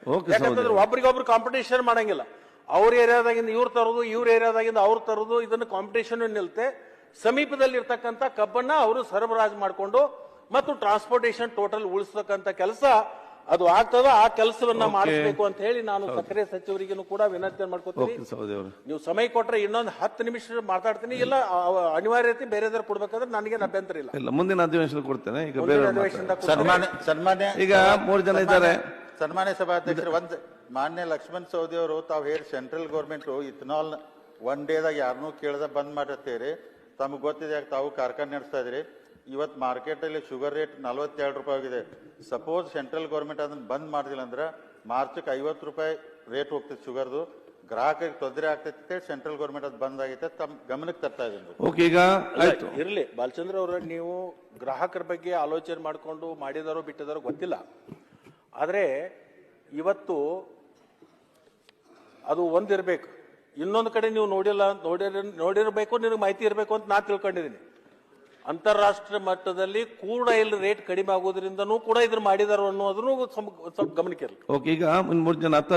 ಯಾಕಂತಂದ್ರೆ ಒಬ್ರಿಗೊಬ್ರು ಕಾಂಪಿಟೇಷನ್ ಮಾಡಂಗಿಲ್ಲ. ಅವ್ರ ಏರಿಯಾದಾಗಿಂದ ಇವ್ರು ತರೋದು, ಇವ್ರ ಏರಿಯಾದಾಗಿಂದ ಅವ್ರು ತರೋದು, ಇದನ್ನ ಕಾಂಪಿಟೇಷನ್ ನಿಲ್ತೆ. ಸಮೀಪದಲ್ಲಿ ಇರ್ತಕ್ಕಂಥ ಕಬ್ಬನ್ನ ಅವರು ಸರಬರಾಜು ಮಾಡಿಕೊಂಡು ಮತ್ತು ಟ್ರಾನ್ಸ್ಪೋರ್ಟೇಷನ್ ಟೋಟಲ್ ಉಳಿಸ್ತಕ್ಕಂಥ ಕೆಲಸ ಅದು ಆಗ್ತದ. ಆ ಕೆಲಸವನ್ನ ಮಾಡಿಸಬೇಕು ಅಂತ ಹೇಳಿ ನಾನು ಸಕ್ಕರೆ ಸಚಿವರಿಗೂ ಕೂಡ ವಿನಂತಿ ಮಾಡ್ಕೊತೀನಿ. ನೀವು ಸಮಯ ಕೊಟ್ರೆ ಇನ್ನೊಂದು 10 ನಿಮಿಷ ಮಾತಾಡ್ತೀನಿ. ಇಲ್ಲ ಅನಿವಾರ್ಯತೆ ಬೇರೆದಾರು ಕೊಡ್ಬೇಕಾದ್ರೆ ನನಗೇನು ಅಭ್ಯಂತರ ಇಲ್ಲ. ಮುಂದಿನ ಅಧಿವೇಶನ ಕೊಡ್ತೇನೆ. ಈಗ ಸನ್ಮಾನ್ಯ ಈಗ 3 ಜನ ಇದ್ದಾರೆ. ಸನ್ಮಾನ್ಯ ಸಭಾಧ್ಯಕ್ಷರು, ಮಾನ್ಯ ಲಕ್ಷ್ಮಣ್ ಸವದಿ ಅವರು ತಾವು ಹೇಳಿ ಸೆಂಟ್ರಲ್ ಗೌರ್ಮೆಂಟ್ ಇಥನಾಲ್ 1 ಡೇದಾಗ ಯಾರನ್ನೂ ಕೇಳದ ಬಂದ್ ಮಾಡಿರ್ತೀರಿ. ತಮಗೆ ಗೊತ್ತಿದೆ, ತಾವು ಕಾರ್ಖಾನೆ ನಡೆಸ್ತಾ ಇದ್ರಿ. ಇವತ್ತು ಮಾರ್ಕೆಟ್ ಅಲ್ಲಿ ಶುಗರ್ ರೇಟ್ 42 ರೂಪಾಯಿ ಆಗಿದೆ. ಸಪೋಸ್ ಸೆಂಟ್ರಲ್ ಗೌರ್ಮೆಂಟ್ ಅದನ್ನ ಬಂದ್ ಮಾಡಿದಿಲ್ಲ ಅಂದ್ರೆ ಮಾರ್ಚಕ್ಕೆ 50 ರೂಪಾಯಿ ರೇಟ್ ಹೋಗ್ತದೆ ಶುಗರ್ದು. ಗ್ರಾಹಕರಿಗೆ ತೊಂದರೆ ಆಗ್ತೈತೆ. ಸೆಂಟ್ರಲ್ ಗೌರ್ಮೆಂಟ್ ಅದು ಬಂದ್ ಆಗೈತೆ, ತಮ್ಮ ಗಮನಕ್ಕೆ ತರ್ತಾ ಇದ್ದೀನಿ. ಈಗ ಇರ್ಲಿ ಬಾಲಚಂದ್ರ ಅವರ, ನೀವು ಗ್ರಾಹಕರ ಬಗ್ಗೆ ಆಲೋಚನೆ ಮಾಡಿಕೊಂಡು ಮಾಡಿದಾರೋ ಬಿಟ್ಟಿದಾರೋ ಗೊತ್ತಿಲ್ಲ. ಆದ್ರೆ ಇವತ್ತು ಅದು ಒಂದಿರ್ಬೇಕು, ಇನ್ನೊಂದು ಕಡೆ ನೀವು ನೋಡಿರಬೇಕು, ನಿನಗೆ ಮಾಹಿತಿ ಇರಬೇಕು ಅಂತ ನಾ ತಿಳ್ಕೊಂಡಿದ್ದೀನಿ. ಅಂತಾರಾಷ್ಟ್ರೀಯ ಮಟ್ಟದಲ್ಲಿ ಕ್ರೂಡ್ ಆಯಿಲ್ ರೇಟ್ ಕಡಿಮೆ ಆಗೋದ್ರಿಂದನೂ ಕೂಡ ಇದ್ರ ಮಾಡಿದಾರೋ ಅನ್ನೋದನ್ನು ಸ್ವಲ್ಪ ಗಮನಕ್ಕೆ ಇರಲಿ. ಈಗ 3 ಜನ